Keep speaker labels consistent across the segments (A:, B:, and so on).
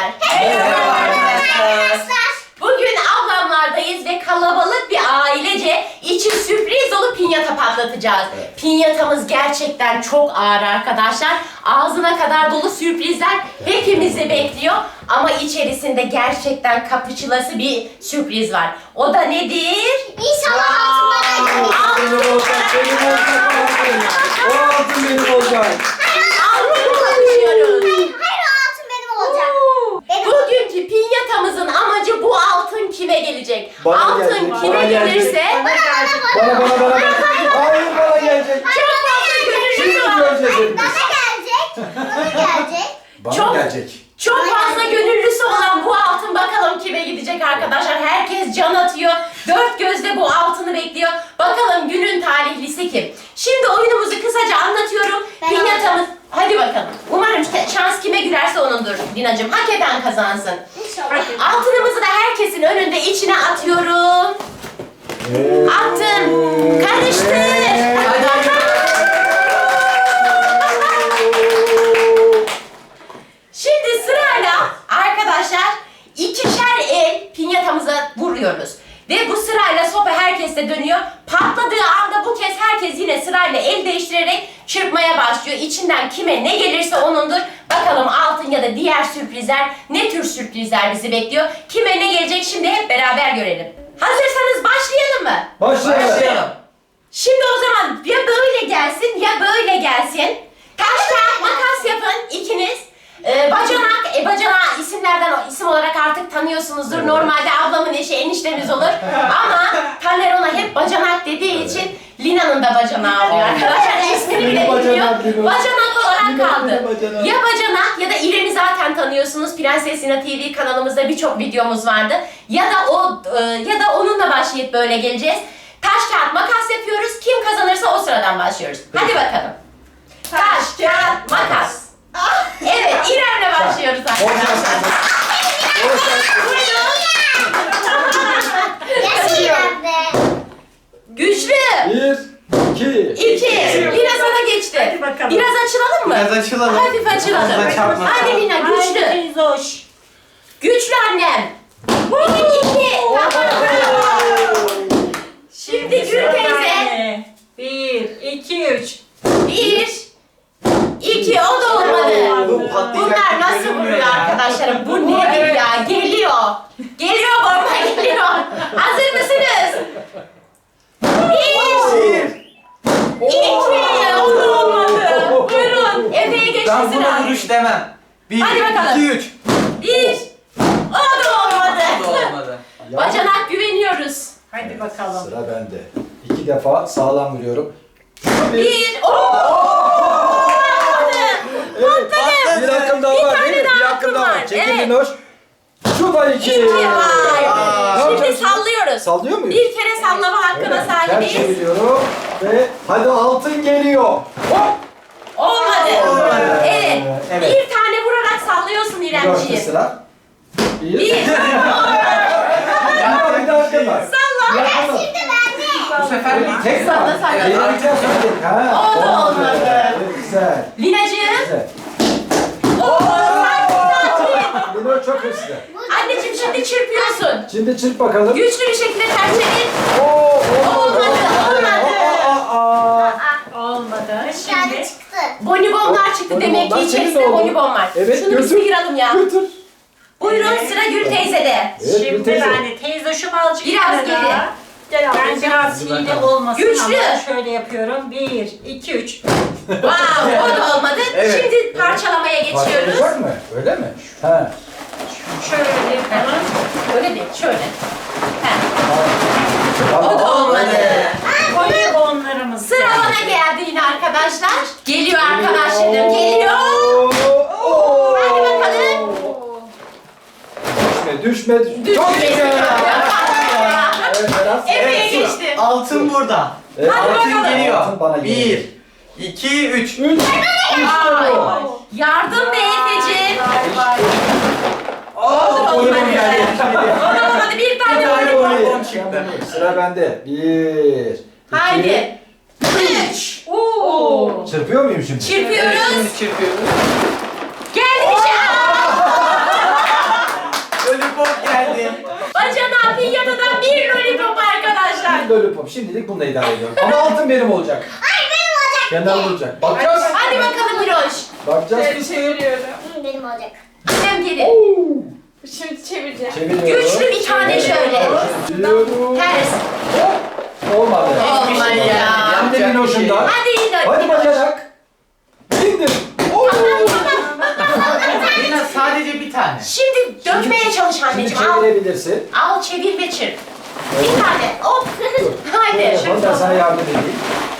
A: Merhaba
B: arkadaşlar.
A: Bugün ablamlardayız ve kalabalık bir ailece içi sürpriz dolu pinyata patlatacağız.
B: Evet.
A: Pinyatamız gerçekten çok ağır arkadaşlar. Ağzına kadar dolu sürprizler hepimizi bekliyor. Ama içerisinde gerçekten kapıçılası bir sürpriz var. O da nedir?
B: İnşallah altınlara
C: Benim olacak, o altın benim olacak.
A: Altını kapışıyoruz.
B: Hayır, o altın benim olacak. Benim.
A: Bugünkü pinyatamızın amacı bu altın kime gelecek?
C: Bana
A: Altın
C: gelecek,
A: kime
C: bana gelecek.
A: gelirse
C: Bana. Hayır, bana gelecek.
A: çok fazla
C: Şimdi
A: gönüllüsü var.
C: göreceğiz hepimiz.
B: Bana gelecek. Bana gelecek.
C: Bana
A: Çok-
C: gelecek.
A: Çok fazla gönüllüsü olan bu altın bakalım kime gidecek arkadaşlar. Herkes can atıyor. Dört gözle bu altını bekliyor. Bakalım günün talihlisi kim? Şimdi oyunumuzu kısaca anlatıyorum.
B: Ben
A: Pinyatamız... Hadi bakalım. Umarım şans kime gülerse onundur Dinacığım. Hak eden kazansın.
B: İnşallah.
A: Altınımızı da herkesin önünde içine atıyorum. Attım. Karıştı. Şimdi sırayla arkadaşlar ikişer el pinyatamıza vuruyoruz. Ve bu sırayla sopa herkeste dönüyor. Patladığı anda bu kez herkes yine sırayla el değiştirerek çırpmaya başlıyor. İçinden kime ne gelirse onundur. Bakalım altın ya da diğer sürprizler ne tür sürprizler bizi bekliyor. Kime ne gelecek şimdi hep beraber görelim. Hazırsanız başlayalım mı?
C: Başlayalım.
A: Şimdi o zaman ya böyle gelsin ya böyle gelsin. Taş kağıt makas yapın ikiniz. Bacanak isimlerden isim olarak artık tanıyorsunuzdur.
C: Evet.
A: Normalde ablamın eşi eniştemiz olur. Ama Taner ona hep bacanak dediği için Lina'nın da bacanağı oluyor arkadaşlar. İsmini bile
C: Benim
A: bilmiyor.
C: bacanak Lina.
A: Bacanak olarak
C: Lina
A: kaldı.
C: benim bacanak.
A: Ya bacanak ya da İrem'i zaten tanıyorsunuz. Prenses Lina TV kanalımızda birçok videomuz vardı. Ya da onunla başlayıp böyle geleceğiz. Taş kağıt makas yapıyoruz. Kim kazanırsa o sıradan başlıyoruz. Hadi bakalım. Taş kağıt makas. Evet, İrem'le başlıyoruz arkadaşlar.
B: Yaşayın be.
A: Güçlü.
C: 1, 2,
A: 2. Lina sana geçti.
D: Hadi bakalım.
A: Biraz açılalım mı?
E: Biraz açılalım.
A: Hafif açılalım.
E: Fazla çarpmasın.
A: Hadi Lina güçlü.
D: Teyze hoş.
A: Güçlü annem. 2. Şimdi Gül teyze.
D: 1, 2, 3.
A: 1. 2. O da olmadı. Bunlar nasıl vuruyor arkadaşlarım? Bu nedir ya? Geliyor. Geliyor bomba geliyor. Hazır mısınız? 1. 2. O da olmadı. Buyurun. Efe'ye geçti
E: Ben buna
A: sıra.
E: vuruş demem. 1,
A: Hadi bakalım.
E: 2, 3.
A: 1. O da olmadı.
E: Bu da olmadı.
A: Bacanak güveniyoruz.
D: Hadi bakalım.
C: Sıra bende. 2 defa sağlam vuruyorum.
A: 1.
C: Bir hakkım daha var değil mi?
A: daha
C: Bir hakkım daha
A: hakkım
C: var.
A: var.
C: Çekil
A: Evet.
C: Linoş. Şu da 2.
A: Vay.
C: Ne
A: Şimdi
C: yapacağız?
A: sallıyoruz.
C: Sallıyor muyuz?
A: Bir kere sallama hakkına
C: Ters
A: sahibiz.
C: çeviriyorum ve hadi altın geliyor. Hop.
A: Olmadı.
E: Olmadı.
A: Evet.
C: Evet.
A: Bir tane vurarak sallıyorsun
C: Linoş'ta
A: İremciğim.
C: sıra.
A: Bir.
C: Bir de hakkım var.
A: Salla.
B: Şimdi bende.
E: Bu sefer bir tek
A: Salla,
E: var.
A: salla.
E: Evet,
C: Yenileceğiz şimdi. Ha,
A: Oldu, olmadı.
C: Evet, güzel.
A: Linacığım.
C: Güzel.
A: Sakin.
C: Linoş çok hızlı.
A: Anneciğim şimdi çırpıyorsun.
C: Şimdi çırp bakalım.
A: Güçlü bir şekilde ters çevir.
C: Olmadı.
D: Olmadı.
B: Bir tane
D: Şimdi
B: çıktı.
A: Bonibonlar çıktı demek ki
C: Bonibonlar senin
A: içerisinde
C: oldu.
A: bonibon var.
C: Evet,
A: Şunu bir
C: götür.
A: sıyıralım ya.
C: Götür.
A: Buyurun sıra Gül teyzede.
C: Evet, Gül
D: şimdi
C: teyze.
D: ben de teyze şu azıcık
A: Biraz
D: kenara.
A: geri. Gel
D: Ben
A: ablacığım.
D: biraz hile olmasın
A: Güçlü.
D: ama şöyle yapıyorum. 1, 2, 3.
A: Wow, o da olmadı.
E: Evet.
A: Şimdi parçalamaya geçiyoruz.
C: Başlayacak mı? Öyle mi? Ha.
D: Şöyle yapalım.
A: Öyle değil, şöyle. Heh,
C: Tamam.
A: o da olmadı.
D: Bonibonlarımız.
A: Sıra bana geldi yine arkadaşlar. Geliyor arkadaşlarım, geliyor.
C: Oo.
A: Hadi bakalım.
C: Düşme. Çok
A: Düşmesin.
C: güzel. Evet, Berat.
A: Efe'ye geçti.
E: Altın burada.
C: Evet.
A: Hadi
E: Altın
A: bakalım.
E: geliyor.
C: Altın bana geliyor.
E: 1, 2, 3.
C: 3.
A: Ay, yardım be Efe'ciğim.
E: Oyun geldi.
A: O da olmadı, bir tane var.
E: bonbon çıktı.
C: Sıra bende. 1.
A: Haydi. 3.
D: Oo.
C: Çırpıyor muyum şimdi?
A: Çırpıyoruz.
E: Şimdi çırpıyoruz.
A: Geldi işte.
C: lollipop. Şimdilik bununla idare ediyorum. Ama altın benim olacak.
B: Hayır benim olacak.
C: Kendi olacak. Bakacağız.
A: Hadi bakalım Miroş.
C: Bakacağız.
F: Şöyle çeviriyorum.
B: Benim olacak.
A: Gidem geri.
C: Oo.
F: Şimdi çevireceğim.
C: Çeviriyorum.
A: Güçlü bir tane şöyle.
C: Çeviriyorum.
A: Ters.
C: Olmadı.
A: Olmadı ya.
C: Hem de Minoş'undan.
A: Hadi yine.
C: Hadi bacanak. İndir. Oo.
E: Lina sadece bir tane.
A: Şimdi dökmeye çalış
C: Şimdi
A: anneciğim. Al.
C: çevirebilirsin.
A: Al çevir ve çırp. Bir tane. Hop. Haydi.
C: Yapalım, ben sana yardım edeyim.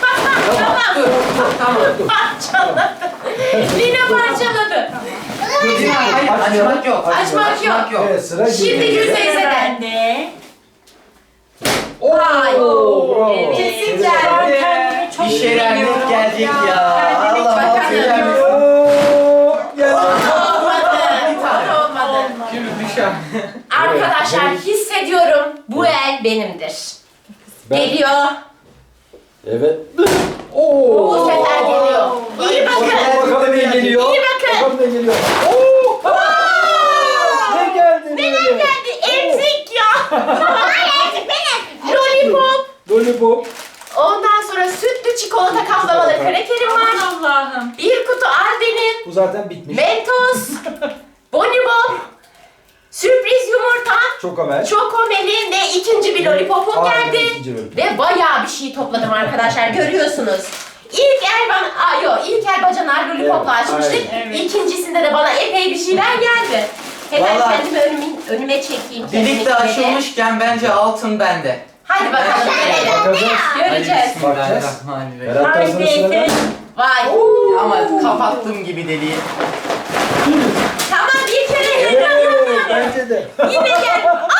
A: Tamam. Parçaladı. Lina parçaladı.
E: Lina hayır açmak yok.
A: Açmak yok.
C: Evet sıra
A: Şimdi
C: Gülden'de.
A: yüzde yüze de.
D: Bende.
C: Oo,
A: Ay.
C: bravo.
A: Evet.
C: Çevir.
A: Güzel.
D: Ben kendimi çok
E: Bir şeyler
D: seviyorum.
E: net gelecek ya.
A: Bakalım.
E: Allah affeder.
C: Oo, geldi.
A: Olmadı.
E: Şimdi düşer.
A: Arkadaşlar
C: Evet.
A: hissediyorum bu el benimdir.
C: Ben-
A: Geliyor.
C: Evet. Oo.
A: Bu sefer geliyor. İyi bakın.
C: Bakalım ne geliyor.
A: İyi bakın.
C: Bakalım ne geliyor. Oo. Ne geldi?
A: Neler geldi? Emzik ya.
B: Hayır benim.
A: Lollipop.
C: Lollipop.
A: Ondan sonra sütlü çikolata kaplamalı
C: Çikolata.
A: krakerim var.
D: Aman Allah'ım.
A: Bir kutu Alben'in.
C: Bu zaten bitmiş.
A: Mentos. Bonibon. Sürpriz yumurta.
C: Çok amel.
A: Çokomeli ve ikinci bir lollipopum
C: Aynen,
A: geldi.
C: ikinci lollipop.
A: Ve bayağı bir şey topladım arkadaşlar görüyorsunuz. İlk el bana, ilk el bacanar lollipopla
C: Evet,
A: açmıştık.
D: aynen. Evet.
A: İkincisinde de bana epey bir şeyler geldi. Hemen
E: Vallahi-
A: kendimi önüme çekeyim.
E: Birlikte
A: kesinlikle.
E: açılmışken bence altın bende.
A: Hadi bakalım görelim.
C: Bakacağız.
A: Göreceğiz.
E: Bismillahirrahmanirrahim.
C: Berat
D: Haydi
C: Tarzan'ın sıra.
D: Efe.
A: Vay.
E: Ama kapattığım gibi deliği.
A: Tamam bir kere
C: Evet,
A: heyecanlandım.
C: bence de.
A: Yine gel.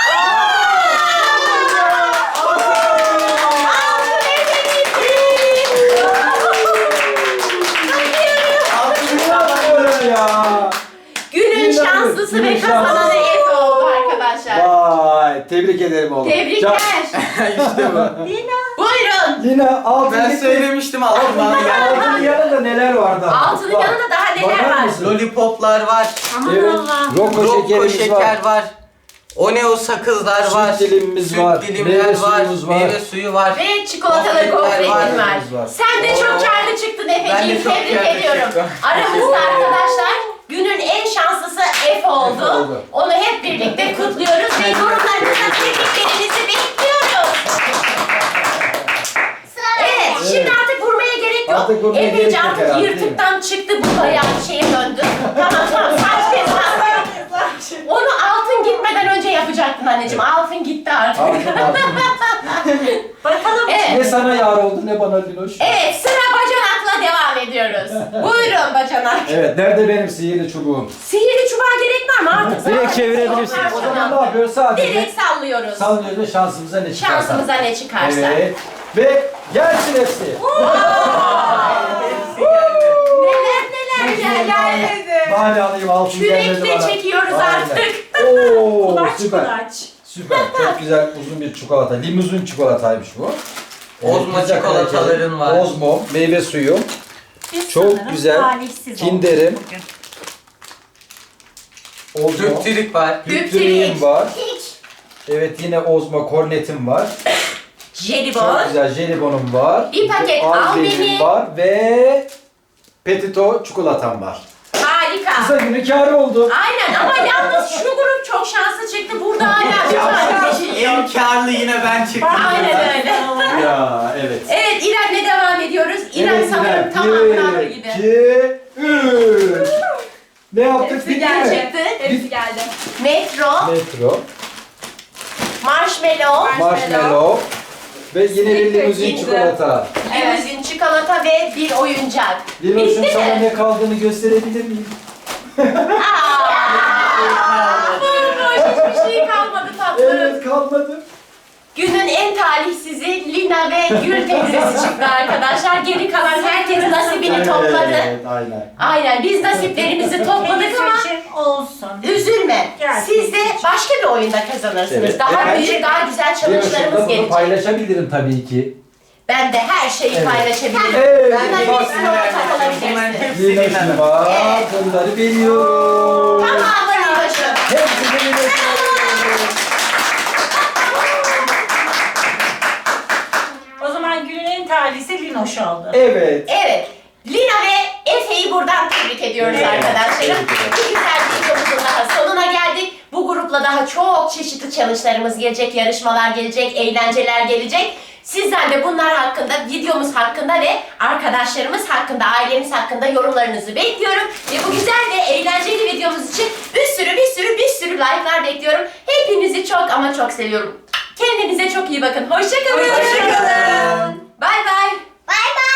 C: İnanmıyorum ya.
A: Günün şanslısı
C: Günün
A: ve kazananı
C: şanslısı.
A: Efe oldu arkadaşlar.
C: Vay, tebrik ederim oğlum.
A: Tebrikler.
E: işte bu.
A: Buyurun.
C: Yine altın
E: Ben
C: gitti.
E: söylemiştim altın bana geldi.
C: Altının yanında neler vardı?
A: Altının
C: Bak,
A: yanında daha neler
C: bakar
A: var?
C: mısın?
E: Lollipoplar var.
D: Aman
C: Evet,
D: Allah'ım.
C: Roko
E: Rokko
C: şekerimiz
E: şeker
C: var.
E: var. Oneo sakızlar
C: Süt
E: var.
C: dilimimiz
E: Süt
C: var.
E: dilimler
C: Meyve
E: var.
C: suyumuz var.
E: Meyve suyu var.
A: Ve çikolatalı
E: Gofretler
A: gofretin
E: var.
A: var. Sen de çok karlı çıktın
E: Ben de
A: Efeciğim.
E: çok
A: Tebrik
E: karlı
A: ediyorum.
E: çıktım.
A: Aramızda arkadaşlar günün en şanslısı Efe oldu.
C: Efe oldu.
A: Onu hep birlikte kutluyoruz ve yorumlarınızda tebriklerinizi bekliyoruz.
B: Sıra
A: Evet,
B: bende.
A: şimdi artık vurmaya gerek yok.
C: Artık vurmaya
A: Efeci
C: gerek yok
A: artık
C: herhalde,
A: yırtıktan çıktı, bu bayağı bir şeye döndü. Tamam, saç kes. Onu altın gitmeden önce yapacaktın anneciğim. Altın gitti artık.
D: Bakalım.
A: Evet.
C: Ne sana yar oldu ne bana Linoş.
A: Evet, sıra bacanakla devam ediyoruz. Buyurun bacanak.
C: Evet, nerede benim sihirli çubuğum?
A: Sihirli çubuğa gerek var mı artık?
C: Direkt
A: zaten
C: çevirebilirsiniz.
A: yok
C: O zaman
A: parçalandı.
C: ne yapıyoruz? Sadece
A: Direkt sallıyoruz.
C: sallıyoruz ve şansımıza ne çıkarsa.
A: Şansımıza ne çıkarsa.
C: Evet. Ve gelsin hepsi.
A: Neler geldi.
C: Bari alayım altın gelmedi
A: Kürekle
C: bana.
A: çekiyoruz
C: Aynen.
A: artık.
C: Oo,
D: Kulaç
C: süper.
D: kulaç.
C: Süper. Çok güzel uzun bir çikolata. Limuzin çikolataymış bu.
E: Ozmo
C: pizza
E: çikolataların
C: krakeri,
E: var.
C: Ozmo, meyve suyu,
D: Biz
C: Çok
D: sanırım
C: güzel.
D: talihsiz
C: Kinder'im.
D: olduk bugün.
C: Ozmo,
E: Düptürük var.
C: Düptürüğüm var.
B: Hiç.
C: Evet yine Ozmo kornetim var.
A: Jelibon.
C: Çok güzel jelibonum var.
A: Bir paket
C: Alben'im
A: Albeni.
C: var ve Petito çikolatam var.
A: Harika.
C: Kısa günü kârı oldu.
A: Aynen ama yalnız şu grup çok şanslı çıktı. Burada hala bir tane bir şey yok.
E: En karlı yine ben çıktım.
A: Aynen öyle.
C: Ya evet.
A: Evet İrem'le devam ediyoruz. İrem
C: Evet,
A: sanırım
C: İrem.
A: tamamını alır gibi.
C: 2, 3. Ne yaptık? Bitti mi?
A: Çıktı.
F: Hepsi geldi.
A: Metro,
C: Metro,
A: marshmallow,
C: marshmallow ve yine bir limuzin
A: Kinder.
C: çikolata.
A: limuzin çikolata ve bir oyuncak.
C: Linoş'un
A: Bitti
C: sana
A: mi?
C: ne kaldığını gösterebilir miyim?
A: Boş hiçbir şey kalmadı tatlım.
C: Evet kalmadı.
A: Günün en talihsizi Lina ve Gül teyzesi çıktı arkadaşlar. Geri kalan herkes nasibini topladı.
C: Evet aynen.
A: Aynen biz nasiplerimizi topladık ama
D: Seçim olsun.
A: üzülme.
D: Gerçekten.
A: Siz de başka bir oyunda kazanırsınız.
C: Evet.
A: Daha
C: Evet.
A: büyük, daha güzel
C: Linoş'un
A: challenge'larımız
C: da bunu
A: gelecek.
C: paylaşabilirim tabii ki.
A: Ben de her şeyi
C: Evet.
A: paylaşabilirim.
C: Evet.
A: Ben de
C: bak
A: hepsine ortak olabilirsin.
E: Bunların hepsi
C: Linoş'un
E: Lina'nın.
C: var.
A: Evet.
C: Bunları veriyorum.
A: Tamamını Linoş'um.
C: Hepsini veriyorum. Evet.
A: Evet. Lina ve Efe'yi buradan tebrik ediyoruz
C: Evet,
A: arkadaşlarım.
C: tebrik ederim.
A: Bir güzel bir videomuzun daha sonuna geldik. Bu grupla daha çok çeşitli challenge'larımız gelecek, yarışmalar gelecek, eğlenceler gelecek. Sizden de bunlar hakkında, videomuz hakkında ve arkadaşlarımız hakkında, ailemiz hakkında yorumlarınızı bekliyorum. Ve bu güzel ve eğlenceli videomuz için bir sürü like'lar bekliyorum. Hepinizi çok ama çok seviyorum. Kendinize çok iyi bakın. Hoşça kalın.
D: Hoşça kalın.
A: Bay bay.
B: Bay bay.